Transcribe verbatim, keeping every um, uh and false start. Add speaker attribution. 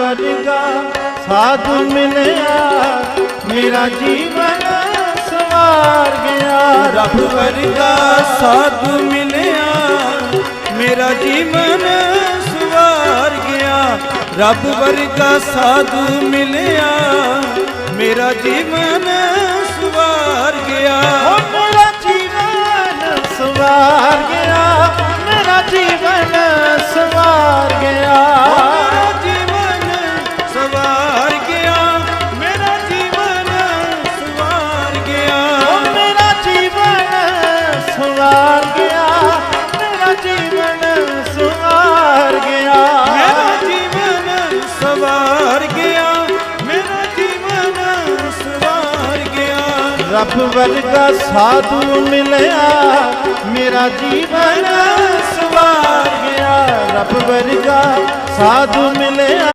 Speaker 1: ਵਰਗਾ ਸਾਧੂ ਮਿਲਿਆ ਮੇਰਾ ਜੀਵਨ ਸਵਾਰ ਗਿਆ।
Speaker 2: ਰੱਬ ਵਰਗਾ ਸਾਧੂ ਮਿਲਿਆ ਮੇਰਾ ਜੀਵਨ ਸਵਾਰ ਗਿਆ। ਰੱਬ ਵਰਗਾ ਸਾਧੂ ਮਿਲਿਆ ਮੇਰਾ ਜੀਵਨ ਸਵਾਰ ਗਿਆ।
Speaker 1: ਓ ਮੇਰਾ ਜੀਵਨ ਸਵਾਰ ਗਿਆ, ਮੇਰਾ ਜੀਵਨ ਸਵਾਰ ਗਿਆ।
Speaker 2: ਮੇਰਾ ਜੀਵਨ ਸਵਾਰ ਗਿਆ, ਮੇਰਾ ਜੀਵਨ ਸਵਾਰ ਗਿਆ।
Speaker 1: ਓ ਮੇਰਾ ਜੀਵਨ ਸਵਾਰ ਗਿਆ, ਮੇਰਾ ਜੀਵਨ ਸਵਾਰ ਗਿਆ।
Speaker 2: ਮੇਰਾ ਜੀਵਨ ਸਵਾਰ ਗਿਆ, ਮੇਰਾ ਜੀਵਨ ਸਵਾਰ ਗਿਆ।
Speaker 1: ਰੱਬ ਵਰਗਾ ਸਾਧੂ ਮਿਲਿਆ ਮੇਰਾ ਜੀਵਨ ਸਵਾਰ ਗਿਆ। ਰੱਬ ਵਰਗਾ ਸਾਧੂ ਮਿਲਿਆ।